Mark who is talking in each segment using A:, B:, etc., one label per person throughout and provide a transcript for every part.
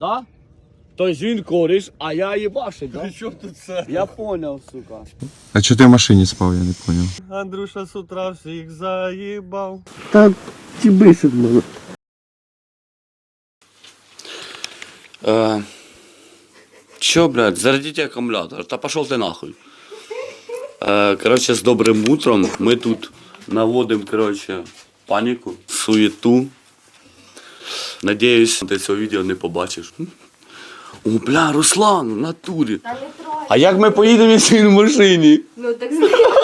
A: Да? Тобто він кореш, а я їбашить, да?
B: При чому тут це?
A: Я понял, сука.
C: А чого ти в машині спав, я не понял.
B: Андрюша з утра всіх заїбав.
A: Та ті бисить мене. Чё, блядь, зарядите аккумулятор, да пошел ты нахуй. Короче, с добрым утром мы тут наводим, короче, панику, суету. Надеюсь, ти цього відео не побачиш. О, бля, Руслан, в натурі. А як ми поїдемо, якщо він в машині?
D: Ну так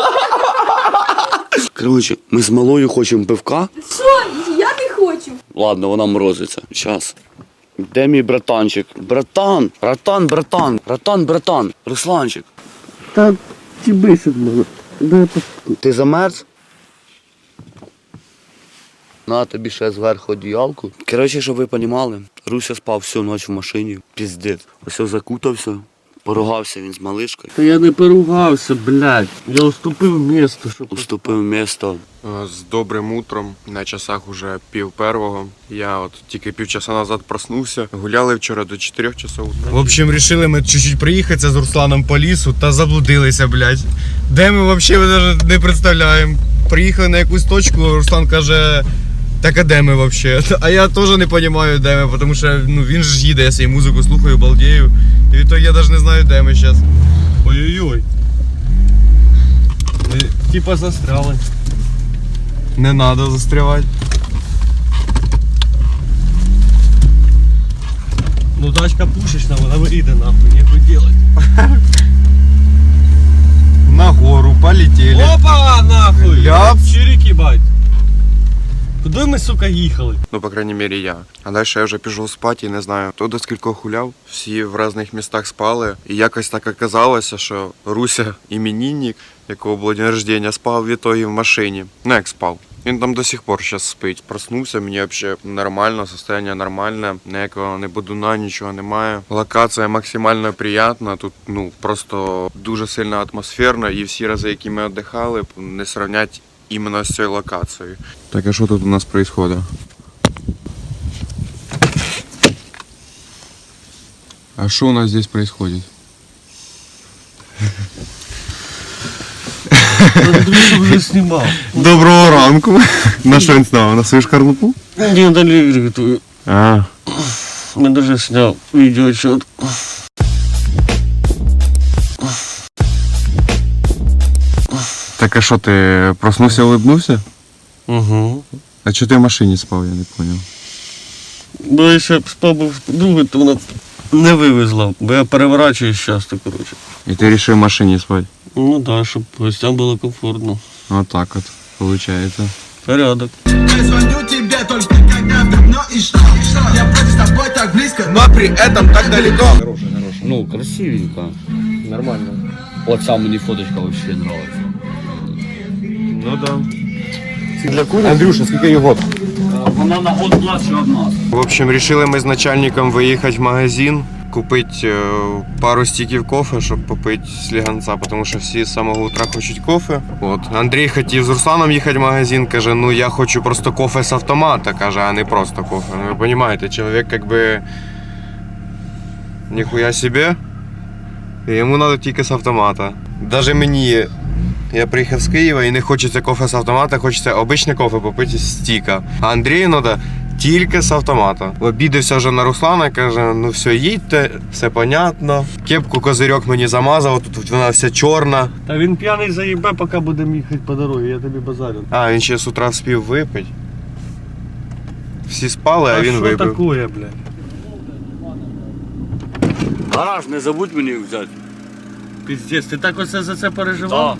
A: Короче, ми з малою хочемо пивка.
D: що? Я не хочу.
A: Ладно, вона морозиться. Щас. Де мій братанчик? Братан, братан. Русланчик. Та ті бисить мене. Ти замерз? На тобі ще зверху одіялку. Коротше, щоб ви розуміли, Руся спав всю ніч в машині. Піздець. Ось закутався, поругався він з малишкою.
B: Та я не поругався, блядь. Я уступив місто, щоб...
A: Уступив місто.
C: З добрим утром, на часах уже 1:30. Я от тільки півчаса назад проснувся. Гуляли вчора до 4 часов. В общем, рішили ми чуть-чуть проїхатися з Русланом по лісу та заблудилися, блядь. Де ми взагалі навіть не представляємо. Приїхали на якусь точку, Руслан каже, так а де ми взагалі? А я теж не розумію, де ми, тому що він ж їде, я свою музику слухаю, балдею. І відтоді я навіть не знаю, де ми зараз.
B: Ой-ой-ой. Ми типа застряли.
C: Не треба застрявати.
B: Ну тачка пушечна, вона вийде нахуй, ніхуй делать.
C: На гору полетели.
B: Опа, нахуй!
C: Ляп.
B: Чирик, їбать. Куди ми, сука, їхали?
C: Ну, по крайней мере, я. А далі я вже пішов спати і не знаю, хто до скількох гуляв. Всі в різних містах спали. І якось так оказалося, що Руся іменинник, якого було день рождення, спав в ітогі в машині. Ну, як спав. Він там до сих пор зараз спить. Проснувся, мені взагалі нормально, состояние нормальне, ніякого не будуна, нічого немає. Локація максимально приємна, тут просто дуже сильно атмосферно, і всі рази, які ми віддихали, не сравнять іменно з цією локацією. Так, а що тут у нас відбувається? А що у нас здесь происходит?
B: Андрюша вже знімав.
C: Доброго ранку. На що він зняв? На свою шкарлупу?
B: Ні, далі готую.
C: А.
B: Я даже сняв відеоотчет.
C: Так а що, ти проснувся, улыбнувся?
B: Угу.
C: А чого ти в машині спав, я не зрозумів.
B: Бо я ще спав був другий, то вона не вивезла. Бо я переворачуюсь часто, коротше.
C: І ти вирішив в машині спати?
B: Ну да, щоб гостям було комфортно.
C: Вот так вот, получается.
B: Порядок.
E: Я звоню тебе только когда давно и что? Я вроде с тобой так близко, но при этом так далеко.
A: Ну, красивенько.
B: Нормально.
A: Оця мені фоточка вообще нравится.
B: Ну да.
C: Андрюша, скільки його?
A: Вона на год младше від нас.
C: В общем, решили ми з начальником виїхати в магазин, купити пару стіків кофе, щоб попити сліганця, тому що всі з самого утра хочуть кофе. От. Андрій хотів з Русланом їхати в магазин, каже, ну я хочу просто кофе з автомата, каже, а не просто кофе. Ну ви розумієте, чоловік якби ніхуя себе, і йому треба тільки з автомата. Даже мені, я приїхав з Києва і не хочеться кофе з автомата, хочеться обичне кофе попити з стіка. А Андрію треба тільки з автомата. Обідався вже на Руслана, каже, ну все, їдьте, все понятно. Кепку козирьок мені замазав, тут вона вся чорна.
B: Та він п'яний заїбе, поки будемо їхати по дорозі, я тобі базарю.
C: А, він ще з утра вспів випити. Всі спали, а він
B: що
C: випив.
B: такое, блядь?
A: Гараж не забудь мені взяти.
B: Піздець, ти так оце за це переживав?
A: Так.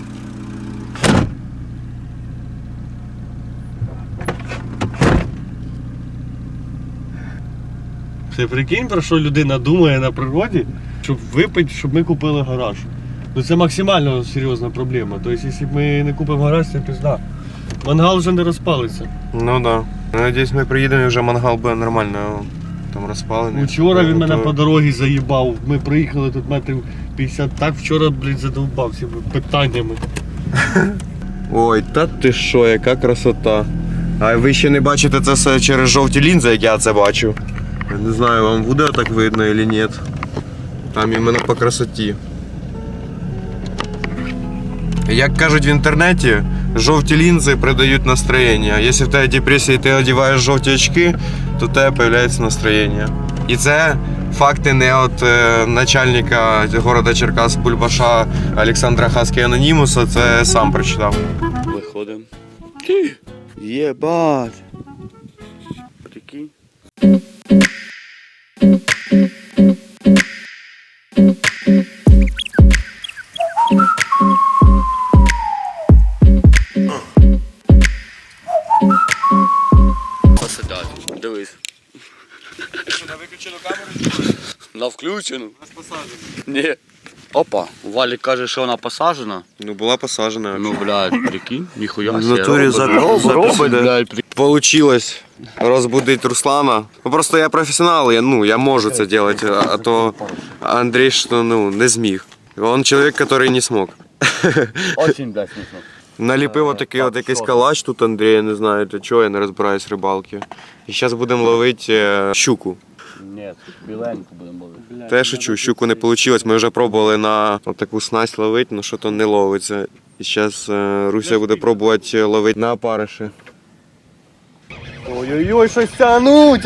B: Ти прикинь, про що людина думає на природі, щоб випити, щоб ми купили гараж. Ну це максимально серйозна проблема. Тобто, якщо ми не купимо гараж, це пізда. Мангал вже не розпалиться.
C: Ну да. Надіюсь, ми приїдемо і вже мангал буде нормально там розпалений.
B: Вчора він мене
C: Готовий.
B: по дорозі заїбав. Ми приїхали тут метрів 50. Так вчора, блядь, задовбався питаннями.
C: Ой, та ти що, яка красота. А ви ще не бачите це все через жовті лінзи, як я це бачу. Я не знаю, вам буде так видно или нет. Там іменно по красоті. Як кажуть в інтернеті, жовті лінзи придають настроєння. Якщо в тебе депресія і ти одягаєш жовті очки, то в тебе з'являється настроєння. І це факти не від начальника города Черкас Бульбаша Олександра Хаски Анонімуса, це сам прочитав.
A: Виходимо. Єбать. Прикинь. Посидять. Дивись.
B: На виключену камеру?
A: На включену? Ні. Опа, Валік каже, що вона посаджена.
C: Ну, була посаджена.
A: Ну, блядь, прикинь, ніхуя
C: В
A: себе.
C: натурі
A: Робить,
C: да.
A: блядь, прикинь.
C: Получилось розбудити Руслана. Ну, просто я професіонал, я можу це робити, а то Андрій що, не зміг. Він чоловік, який не змог.
A: Очень, блядь, смішно.
C: Наліпив отакий от якийсь калач тут, Андрій, я не знаю, для чого, я не розбираюсь в рибалки. І зараз будемо ловити щуку.
A: Ні, біленьку будемо ловити.
C: Та я шучу, щуку не вийшло, ми вже пробували на таку снасть ловити, але що-то не ловиться. І зараз Руся буде пробувати ловити на опариші.
B: Ой-ой-ой, щось тяну.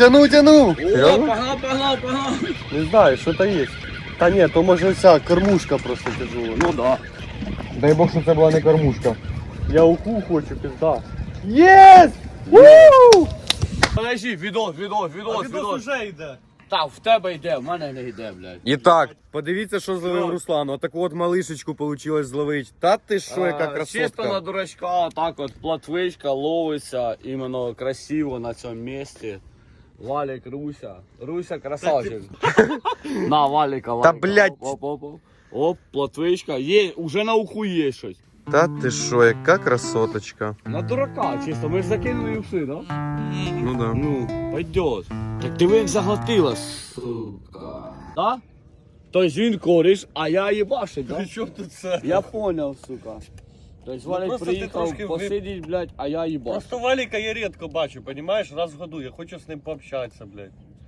A: Погнав.
B: Не знаю, що то є. Та ні, то може вся кормушка просто тяжела.
A: Ну да.
C: Дай Бог, що це була не кормушка.
B: Я уху хочу, пизда. Єс! Вуу!
A: Подожди, відос.
B: Відос вже йде.
A: Так, в тебе йде, в мене не йде, блядь.
C: І так, подивіться, що зловив Руслан. Отаку от малишечку вийшло зловити. Та ти що, яка
A: Чисто на
C: красотка.
A: дурачка, так от платвичка ловиться іменно красиво на цьому місці. Валік, Руся. Руся красавчик. На, Валіка.
C: Та, блядь.
A: Оп, платвичка. Є, уже на уху є щось.
C: Та ти що, яка красоточка.
A: На дурака, чисто, ми ж закинули і все, да?
C: Ну да.
A: Ну, пойдет. Так ти ви як заглотила, сука. Да? Тобто він кориш, а я їбашить, да?
B: Що тут це?
A: Я понял, сука. Тобто Валік
B: просто ти
A: приїхав
B: трошки
A: посидіть, блядь, а я їбаш.
B: Просто Валіка я рідко бачу, понімаєш, раз в году. Я хочу з ним пообщатися, блядь.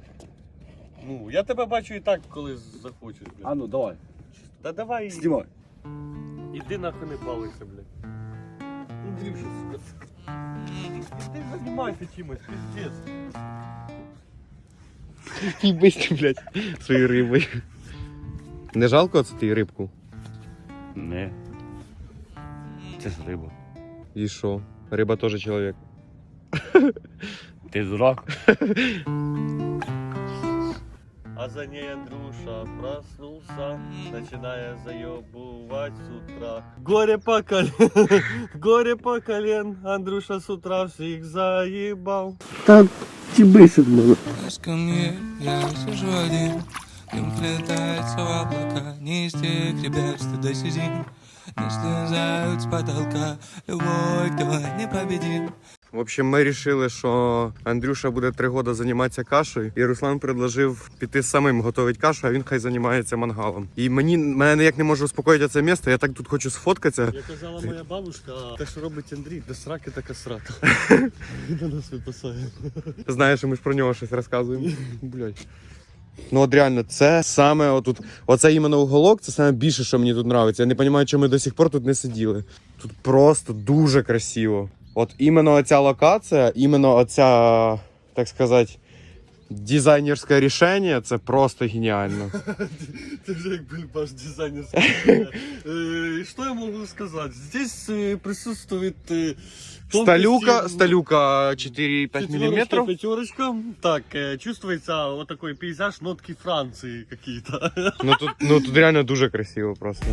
B: Ну, я тебе бачу і так, коли захочеш, блядь.
A: А ну, давай.
B: Та давай.
A: Знімай.
B: Іди нахуй не балуйся, блядь. Андрюша, сука. Ти займайся чимось, пиздец.
C: Їбись, блядь, своєю рибою. Не жалко оце ти рибку?
A: Не. Це ж риба.
C: І що? Риба теж чоловік.
A: Ти дурак?
B: А за ней Андрюша проснулся, начиная заебывать с утра. Горе по колен, Андрюша с утра всех заебал.
A: Та ті бисить мене.
F: Ко мне, я сижу один, дым вплетается в облака, не из тех ребят, что до сизин не слезают с потолка, любой, кто непобедим.
C: В общем, ми вирішили, що Андрюша буде 3 роки займатися кашею, і Руслан предложив піти самим готувати кашу, а він хай займається мангалом. І мене ніяк не може успокоїти це місце, я так тут хочу сфоткатися.
B: Як казала моя бабушка, те, що робить Андрій, до сраки така срака. Він на нас випасає.
C: Знаєш, ми ж про нього щось розказуємо. Блядь. Ну от реально, це саме отут, оце іменно уголок, це саме більше, що мені тут подобається. Я не розумію, чому ми до сих пор тут не сиділи. Тут просто дуже красиво. От іменно оця локація, іменно оця, так сказати, дизайнерське рішення, це просто геніально.
B: Ты же как бульбаш дизайнерский. Что я могу сказать? Здесь присутствует
C: Сталюка 4-5 мм.
B: Пятерочка. Так, чувствуется вот такой пейзаж, нотки Франции какие-то.
C: Ну тут реально дуже красиво просто.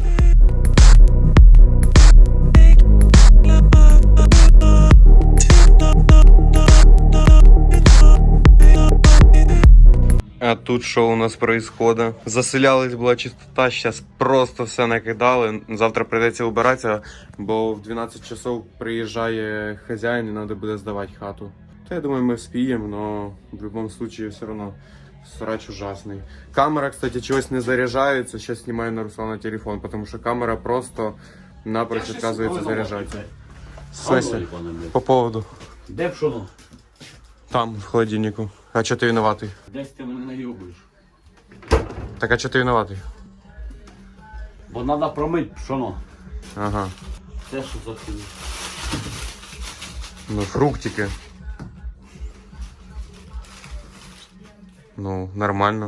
C: А тут що у нас происходит? Заселялась була чистота, зараз просто все накидали. Завтра прийдеться убиратися, бо в 12 часов приїжджає хазяїн і треба буде здавати хату. Та я думаю, ми вспіємо, але в будь-якому випадку все одно срач ужасний. Камера, кстати, чогось не заряджається. Зараз знімаю на Руслана телефон, тому що камера просто напрочь відказується заряджатися. В смысле? По поводу.
A: Де пшоно?
C: Там, в холодильнику. А чого ти винуватий?
A: Десь ти мене наїбуєш.
C: Так а чого ти винуватий?
A: Бо треба промити пшоно.
C: Ага.
A: Це що за хуйня?
C: Ну, фруктики. Ну, нормально.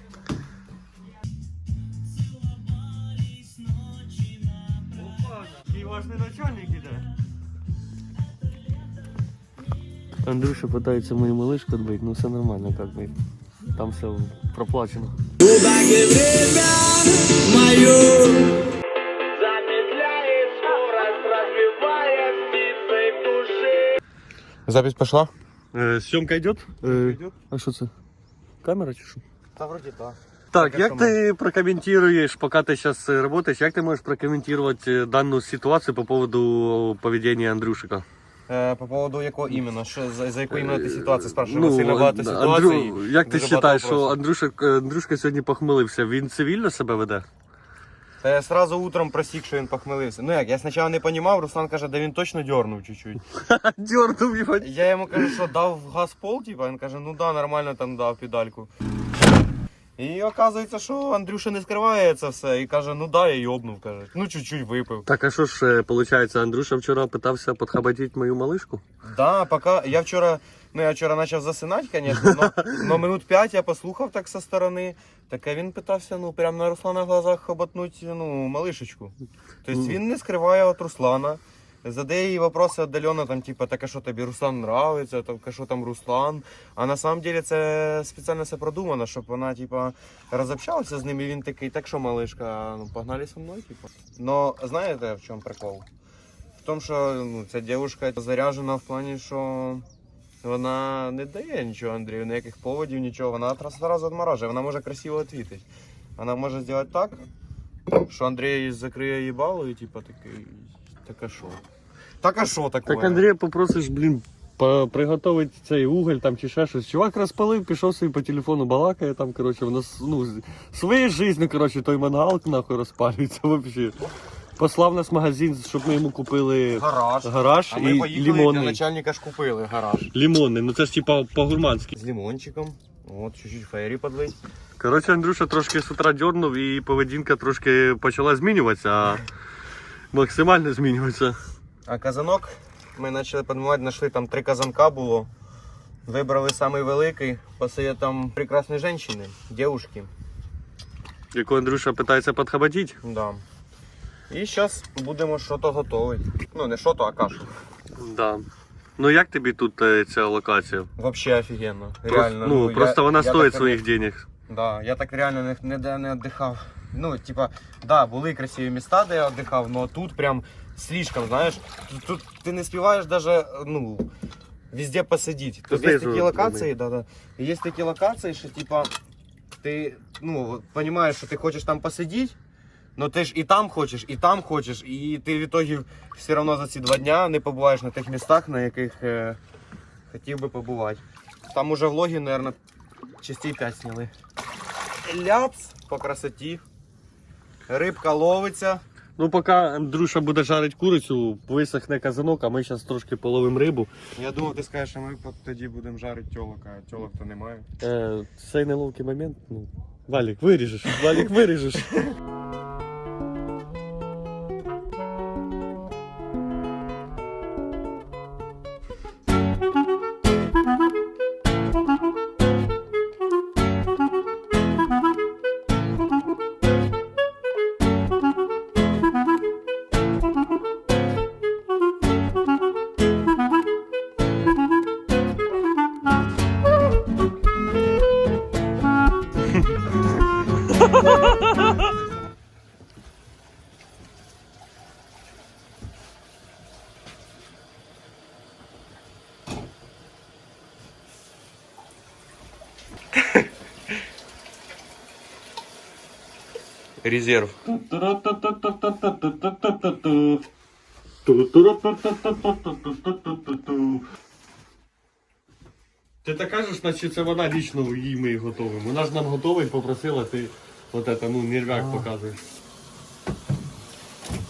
B: Який важний начальник іде. Андрюша пытается мою малышку отбыть, но все нормально, как бы. Там все проплачено.
C: Запись пошла?
B: Съемка идет? А що це? Камера чи що?
C: Та вроді так.
B: Так, як ти прокомментируешь, пока ты сейчас работаешь, як ты можешь прокомментировать данную ситуацию по поводу поведения Андрюшика?
C: По поводу якого іменно? Що, за яку іменно ти ситуацію спрашиваєш? Сильно багато ситуацій.
B: Андрю, як ти
C: дуже
B: вважаєш,
C: багато
B: що Андрюшка сьогодні похмелився? Він цивільно себе веде?
C: Та я сразу утром просік, що він похмелився. Ну як, я спочатку не розумів, Руслан каже, да він точно дьорнув чуть-чуть.
B: Дьорнув його.
C: Я йому кажу, що дав газ пол, типа, він каже, ну да, нормально там дав педальку. І оказується, що Андрюша не скриває це все і каже, ну да, я йобнув, каже. Ну чуть-чуть випив.
B: Так, а що ж, виходить, Андрюша вчора питався підхабатити мою малишку?
C: Да, пока я вчора почав засинати, звісно, но минут 5 я послухав так со сторони. Так а він питався, ну, прямо на Руслана глазах хоботнуть, ну, малишечку. Тобто він не скриває від Руслана. Задає їй вопроси віддалено, там, типа, так а що тобі Руслан нравиться, так а що там Руслан. А на самом деле це спеціально все продумано, щоб вона, типа, розобщалася з ним, і він такий, так що, малишка, ну, погнали со мною, типа. Но знаєте, в чому прикол? В тому, що ну, ця дівчинка заряджена в плані, що вона не дає нічого Андрію, ніяких поводів, нічого. Вона одразу відморажує, вона може красиво відповідати. Вона може зробити так, що Андрій закриє їбало і типу такий, так а що? Так а що таке?
B: Так Андрія попросиш, блін, приготувати цей уголь там чи ще щось. Чувак розпалив, пішов собі по телефону балакає, там, коротше, воно, ну, своєю життю, коротше, той мангал, нахуй, розпалюється, взагалі. Послав нас в магазин, щоб ми йому купили гараж
C: А ми
B: і
C: поїхали, для
B: лимонний.
C: начальника ж купили гараж.
B: Лимонний, ну це ж типа по-гурманськи.
C: З лимончиком, от, чуть-чуть фейрі подлить.
B: Коротше, Андрюша трошки з утра дьорнув і поведінка трошки почала змінюватися, а максимально змінюватися.
C: А казанок ми почали підмивати, знайшли там 3 казанка було. Вибрали самий великий по советам прекрасної жінки, дівчинки.
B: Яку Андрюша питається підхабатити.
C: Да. І зараз будемо щось готувати. Ну, не щось, а кашу.
B: Да. Ну як тобі тут ця локація?
C: Вообще офігенно. Реально.
B: Ну, просто вона стоїть
C: так,
B: своїх денег.
C: Да, я так реально ніде не віддихав. Ну, типа, да, були красиві міста, де я віддихав, але тут прям слишком, знаєш. Тут ти не співаєш даже, ну, везде посидіти. Тут є такі локації, да. Є такі локації, що типа, ти, ну, розумієш, що ти хочеш там посидіти, но ти ж і там хочеш, і ти в итоге все одно за ці 2 дня не побуваєш на тих містах, на яких хотів би побувати. Там уже влоги, мабуть, частей 5 сняли. Ляпс по красоті. Рибка ловиться.
B: Ну поки Андрюша буде жарити курицю, висохне казанок, а ми зараз трошки половимо рибу.
C: Я думав, ти скажеш, що ми тоді будемо жарити тьолок, а тьолок то немає.
B: Цей неловкий момент, ну, Валік, виріжеш.
C: Резерв.
B: Ти так кажеш, наче це вона лічно їй ми їх готовимо. Вона ж нам готова і попросила, ти от це, ну, нервяк показуєш.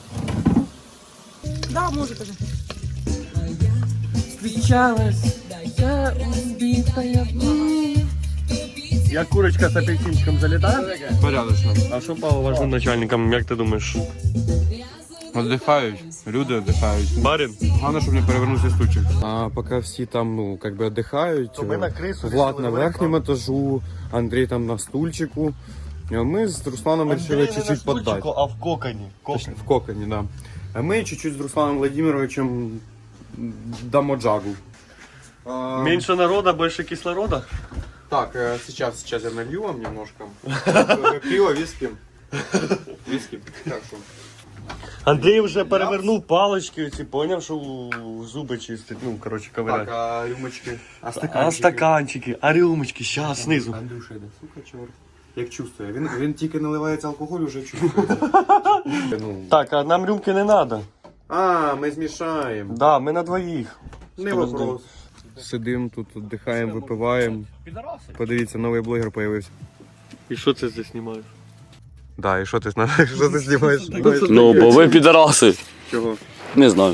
D: Да, може кажу.
G: Встречалась Я убитая.
B: Як курочка з апельсинчиком залітає?
C: Порядочно.
B: А що по вашим начальникам, як ти думаєш?
C: Отдыхають, люди отдыхають.
B: Барин?
C: Головне, щоб не перевернувся стульчик. А поки всі там, ну, как би отдыхають,
B: То ми на крису.
C: Влад на верхньому етажу, Андрій там на стульчику. Ми з Русланом вирішили чуть-чуть поддати.
B: А в коконі.
C: Точно, в коконе, да. А мы чуть-чуть с Русланом Владимировичем дамо джагу.
B: Меньше народа, больше кислорода?
C: Так, сейчас я налью вам немножко. Пиво, виски. Виски. Так что.
B: Андрій вже перевернув палички, ці поняв, що зуби чистить. Ну, коротше, ковиряти.
C: Так, а рюмочки?
B: А стаканчики, а рюмочки, щас, знизу.
C: Андрюша, да, сука, чорт. Як чувствує. Він тільки наливається алкоголь, вже чувствує. Ну.
B: Так, а нам рюмки не треба.
C: А, ми змішаємо.
B: Да, ми на двоїх.
C: Не вопрос. Сидим тут, віддихаємо, випиваємо. Подивіться, новий блогер появився.
B: І що це ти знімаєш?
C: Да, і що ти знімаєш?
A: Ну, бо ви підараси.
C: Чого?
A: Не знаю.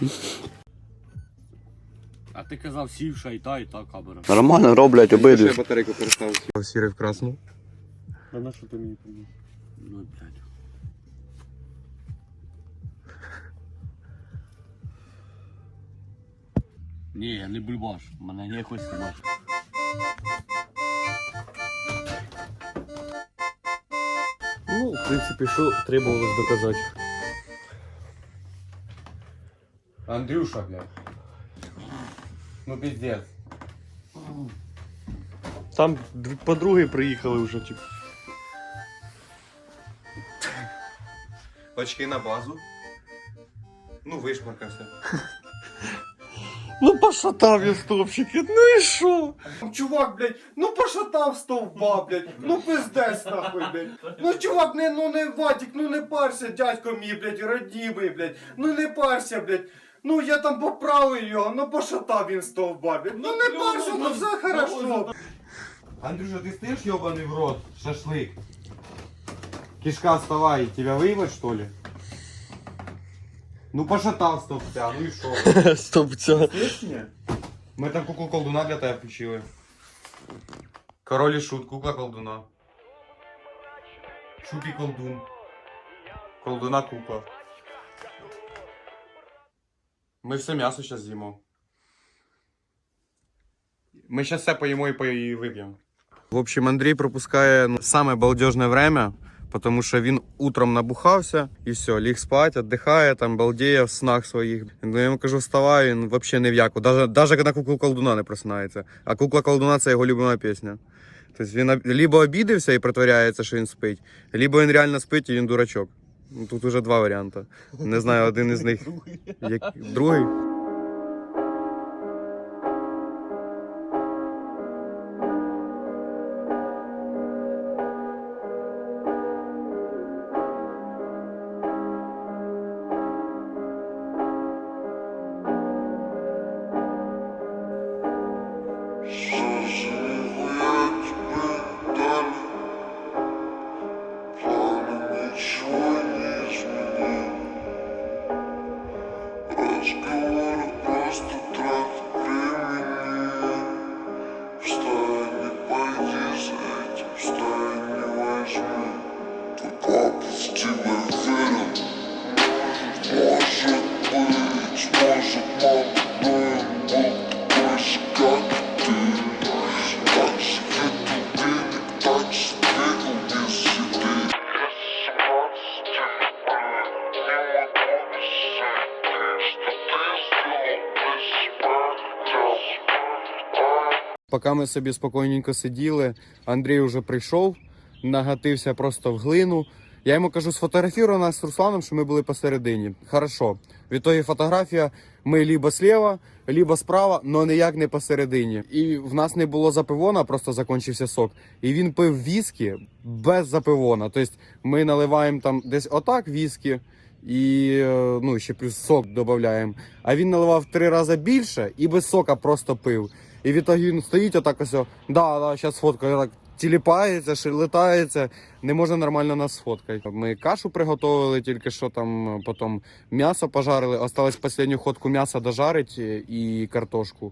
H: А ти казав сівша і та камера.
A: Нормально роблять обидві.
C: Я батарейку перестав. Сірий в красну.
B: А на що ти мені приніс?
H: Ну, блядь. Ні, я не бульбаш, мене не якось знімати.
B: Ну, в принципі, що требувалось доказати.
C: Андрюша, блядь. Ну пиздец.
B: Там подруги приїхали вже, типу.
C: Очки на базу. Ну, вишмаркався.
B: Ну пошатав я стовпчики, ну і що?
I: Чувак, блядь, ну пошатав стовба, блядь, ну пиздець нахуй, блядь. Ну чувак, не Вадик, ну не парся, дядько мій, блядь, роднімий, блядь, ну не парся, блядь. Ну я там поправив його, ну пошатав він стовба, блядь. Ну не парся, ну все хорошо.
C: Андрюша, ты стоишь, ебаный в рот? Шашлык. Кишка, вставай, тебя выебать, что ли? Ну пошатал стопця, ну и шо?
B: Стовпця.
C: Слышишь меня? Мы там куклу колдуна для тебя включили. Король и шут, кукла колдуна. Шут и колдун. Колдуна кукла. Мы все мясо сейчас з'їмо. Мы сейчас все поїмо і вип'ємо. В общем, Андрій пропускає саме балдежне время, потому що він утром набухався і все, ліг спать, віддихає, там балдеє в снах своїх. Я йому кажу, вставай, він взагалі не в яку. Даже на куклу колдуна не просинається. А кукла колдуна це його любима пісня. Тобто він либо обідився і притворяється, що він спить, либо він реально спить і він дурачок. Тут уже два варіанти. Не знаю, один із них. Другий. Поки ми собі спокійненько сиділи, Андрій вже прийшов, нагатився просто в глину. Я йому кажу, сфотографіруй нас з Русланом, що ми були посередині. Хорошо. Відтоді фотографія, ми либо слева, либо справа, але ніяк не посередині. І в нас не було запивона, просто закінчився сок. І він пив віскі без запивона. Тобто ми наливаємо там десь отак віскі, і ну, ще плюс сок додаємо. А він наливав 3 рази більше і без сока просто пив. І відтоді він стоїть отак ось, да, зараз сфоткаю, так тіліпається, шелетається, не може нормально нас сфоткати. Ми кашу приготували, тільки що там, потім м'ясо пожарили, осталось останню ходку м'яса дожарити і картошку.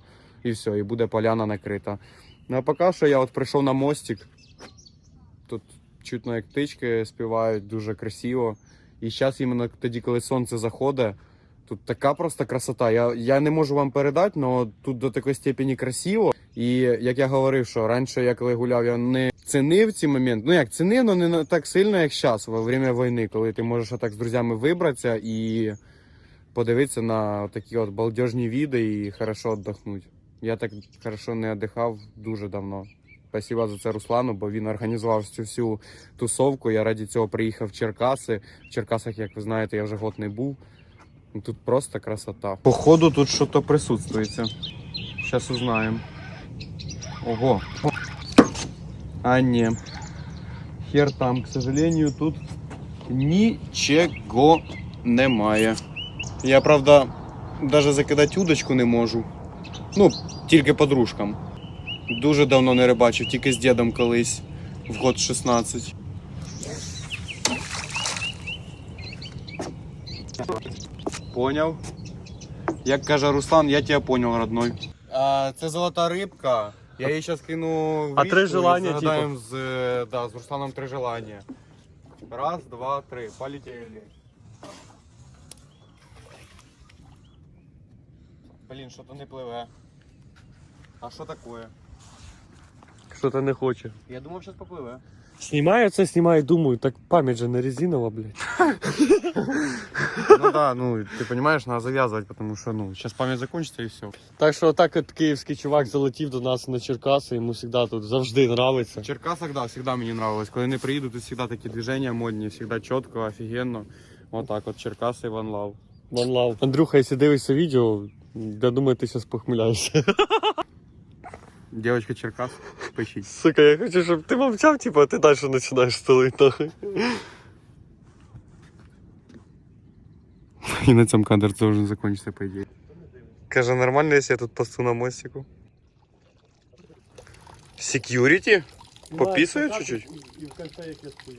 C: і все, і буде поляна накрита. Ну а поки що я от прийшов на мостик. Тут чутно, як птички співають, дуже красиво. І зараз іменно тоді, коли сонце заходить, тут така просто красота. Я не можу вам передати, але тут до такої степені красиво. І як я говорив, що раніше я коли гуляв, я не цінив ці моменти. Ну як цінив, але не так сильно, як зараз, во время війни, коли ти можеш отак з друзями вибратися і подивитися на такі от балдежні види і хорошо віддохнути. Я так хорошо не віддихав дуже давно. Спасибо за це Руслану, бо він організував цю всю тусовку. Я раді цього приїхав в Черкаси. В Черкасах, як ви знаєте, я вже год не був. Тут просто красота. Походу тут щось присутствується. Зараз узнаємо. Ого. А ні. Хер там, к сожалению, тут нічого немає. Я, правда, навіть закидати удочку не можу. Ну, тільки подружкам. Дуже давно не рибачив, тільки з дідом колись, в год 16. Поняв. Як каже Руслан, я тебе понял, родной. Це золота рибка. Я її зараз кину в
B: А
C: річку
B: 3 желання,
C: і загадаємо з Русланом 3 желання. Раз, два, три. Полетели. Блін, що-то не пливе. А що таке?
B: Що-то не хоче.
C: Я думав, зараз попливе.
B: Знімаю це, знімаю, думаю, так пам'ять же не резинова, блядь.
C: Ну да, ну ты понимаешь, надо завязывать, потому что, ну, сейчас память закончится и все.
B: Так що отак от київський чувак залетів до нас на Черкаси, йому завжди тут завжди нравиться.
C: В Черкасах, да, всегда мне нравилось. Когда не приеду, тут всегда такие движения модные, всегда четко, офигенно. Вот так вот, Черкасы, One Love.
B: One love. Андрюха, якщо дивишся відео, я думаю, ти зараз похмеляєшся.
C: Девочка Черкас, пищить.
B: Сука, я хочу, щоб ти мовчав, типу, а ти далі починаєш стелити, нахуй.
C: И на этом кадр должен закончиться, по идее.
B: Каже, нормально, якщо я тут посту на мостику?
C: Security? Пописывают чуть-чуть?
B: І в кінці як я стою.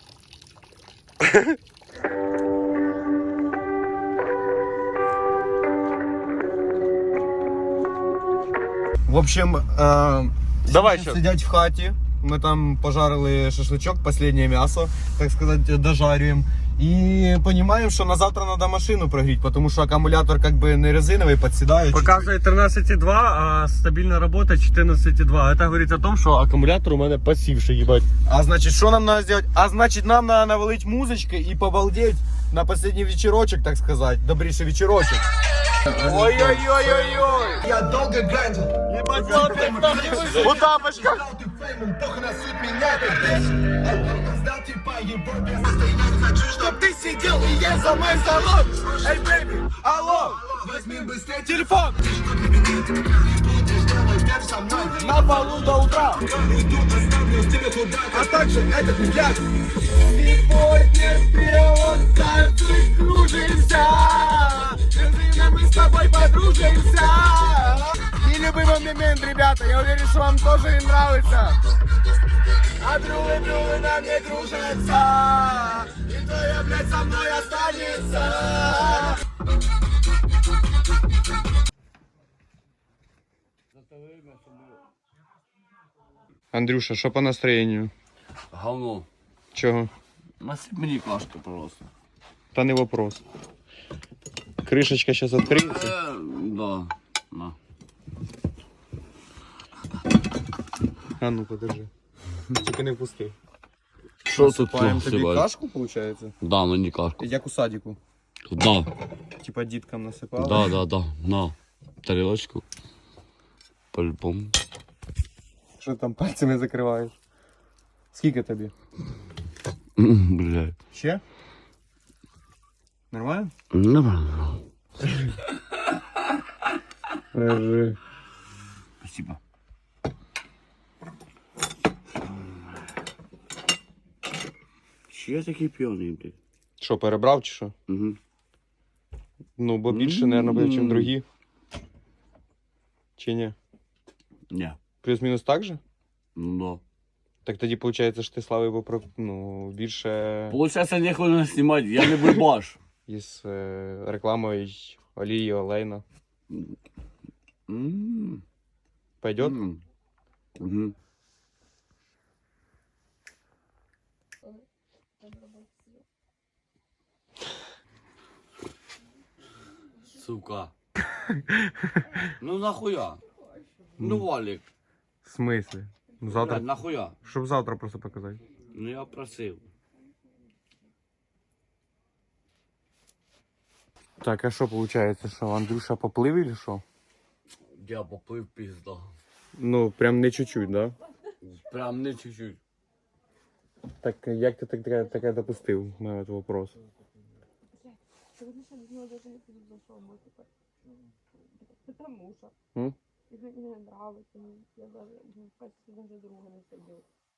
C: В общем,
B: Давай
C: сейчас
B: що.
C: сидять в хаті. Ми там пожарили шашлычок, последнее мясо, так сказать, дожарюємо. І розуміємо, що на завтра треба машину прогріти, тому що акумулятор как бы не резиновий, підсідає.
B: Показує 13,2, а стабільна робота 14,2. Це говорить о том, що акумулятор у мене пасівший, їбать.
C: А значит, что нам надо сделать? А значит, нам надо навалить музычкой и побалдеть на последний вечерочек, так сказать. Добрейший вечерочек. Ой-ой-ой-ой-ой!
E: Я долго грандил.
C: У тапочках!
E: Ты феймом, похуй на суть меня, ты бесит. Сдал типа его без настояния. Хочу, чтоб ты сидел и ел за мой салон. Эй, бэйби, алло, возьми быстрее телефон. На полу до утра. Уйду, оставлю тебя туда, а также этот взгляд. Сегодня вперед танцы кружимся. Дружина, мы с тобой подружимся. Нелюбимый момент, ребята, я уверен, что вам тоже им нравится. А друлы на мне дружатся. И твоя, блядь, со мной останется.
C: Андрюша, что по настроению?
H: Говно.
C: Чего?
H: Насип мені кашки, пожалуйста.
C: Да не вопрос. Крышечка сейчас откроется.
H: Да. На.
C: А ну подержи. Тільки не впусти.
H: Що тут
C: Паем тобі
H: насипати?
C: кашку, получается?
H: Да, мені кашку.
C: Як у садику.
H: Да,
C: Типа діткам насипали.
H: да. На. Тарілочку. По-любому.
C: Що там пальцями закриваєш? Скільки тобі?
H: Блядь.
C: Ще? Нормально?
H: Нормально.
C: Держи.
H: Спасибо. Чи я такий п'яний, блядь?
C: Що, перебрав чи що?
H: Угу.
C: Ну, бо більше, мабуть, буде, ніж другі. Чи ні?
H: Ні.
C: Плюс-мінус так же?
H: Ну
C: Так тоді виходить, що ти славив би більше
H: Получається, ніколи знімати, я не бульбаш.
C: із рекламою олії Олейна. Пойдет?
A: Угу. Сука. Ну нахуя? Ну Валик,
C: В смысле? Ну, завтра,
A: блядь, нахуя?
C: щоб завтра просто показати.
A: Ну я просив.
C: Так, а що виходить, що Андрюша поплив или що?
A: Я поплив пізда.
C: Ну, прям не чуть-чуть, да?
A: Прям не чуть-чуть.
C: Так як ти таке допустив? У мене вопрос.
G: Сьогодні ще до нього даже не підійшов, бо типа, потому що.
C: М?
G: Мені не нравиться, я даже, качестве даже друга не сидів.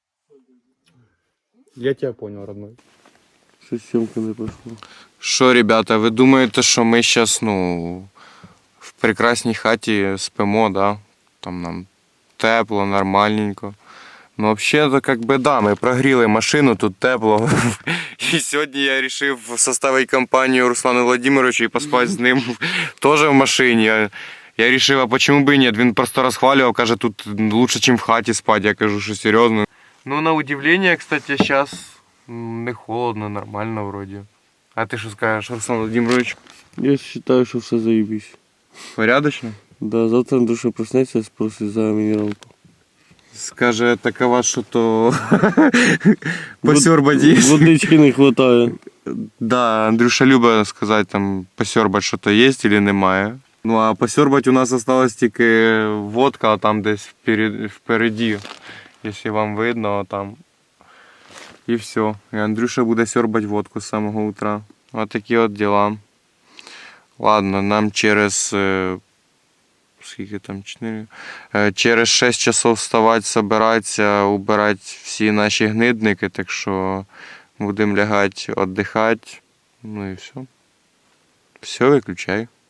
C: Я тебя понял, родной.
B: Що сьомка не пішло.
C: Що, ребята, ви думаєте, що ми зараз, в прекрасній хаті спимо, да? Там нам тепло, нормальненько. Ну, взагалі, то да, ми прогріли машину, тут тепло. І сьогодні я вирішив составити компанію Руслану Владимировичу і поспати з ним теж в машині. Я вирішив, а чому б і ні? Він просто розхвалював, каже, тут лучше, ніж в хаті спати. Я кажу, що серйозно. Ну, на удивление, кстати, зараз не холодно, нормально вроді. А ти що скажеш, Руслан Владимирович?
B: Я вважаю, що все заїбись.
C: Порядочно?
B: Да, завтра Андрюша проснеться, спросить за мінералку.
C: Скаже, такова, що то посьорбать є.
B: Водички не вистачає.
C: Да, Андрюша любить сказати, там, посьорбать, що то є чи немає. Ну, а посьорбать у нас осталась тільки водка, а там десь впереді, якщо вам видно, там. І все. І Андрюша буде сьорбать водку з самого утра. Ось такі от діла. Ладно, нам через... Скільки там, 4? Через 6 часов вставати, собиратися, убирати всі наші гнидники, так що будемо лягати, віддихати. Ну і все. Все, виключай.